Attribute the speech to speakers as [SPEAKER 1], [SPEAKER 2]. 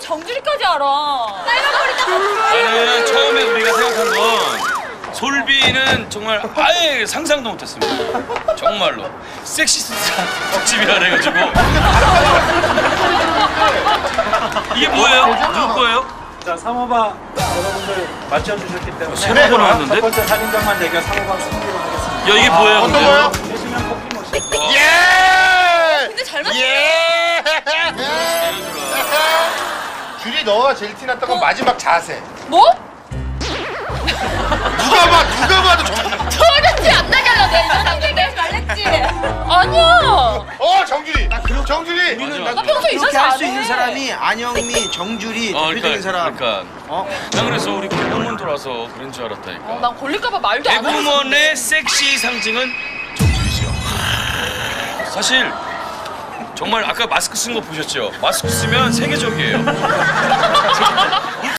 [SPEAKER 1] 정주리까지 알아.
[SPEAKER 2] 나는 처음에 우리가 생각한 건 솔비는 정말 아예 상상도 못했습니다. 정말로 섹시스타 특집이라 그래가지고 이게 뭐예요? 누구 거예요?
[SPEAKER 3] 자, 3호방 여러분들 맞춰주셨기 때문에
[SPEAKER 2] 새로 나왔는데?
[SPEAKER 3] 첫 번째 사진장만 내가 3호방 승리로 하겠습니다.
[SPEAKER 2] 야 이게 뭐예요?
[SPEAKER 4] 어떤
[SPEAKER 2] 근데?
[SPEAKER 4] 거요?
[SPEAKER 3] 계시면 커피 모시고.
[SPEAKER 4] 예!
[SPEAKER 1] 근데 잘 맞췄어.
[SPEAKER 4] 예! 줄이 너가 제일 티났던 건 마지막 자세.
[SPEAKER 1] 뭐?
[SPEAKER 4] 누가 봐도
[SPEAKER 1] 도저히 안 나게 하려고 내가 이런 상대를 말랬지. 아니야.
[SPEAKER 4] 정준이! 정준이!
[SPEAKER 1] 나 평소에 이상
[SPEAKER 5] 이렇게 할 수
[SPEAKER 1] 잘해.
[SPEAKER 5] 있는 사람이 안영미, 정주리 대표적인 사람.
[SPEAKER 2] 그러니까. 난 그래서 우리 개그우먼 돌아서 그런 줄 알았다니까.
[SPEAKER 1] 난 걸릴까봐 말도 안 하고.
[SPEAKER 2] 개그우먼의 섹시 상징은 정준이 씨요. 사실 정말 아까 마스크 쓴 거 보셨죠? 마스크 쓰면 세계적이에요.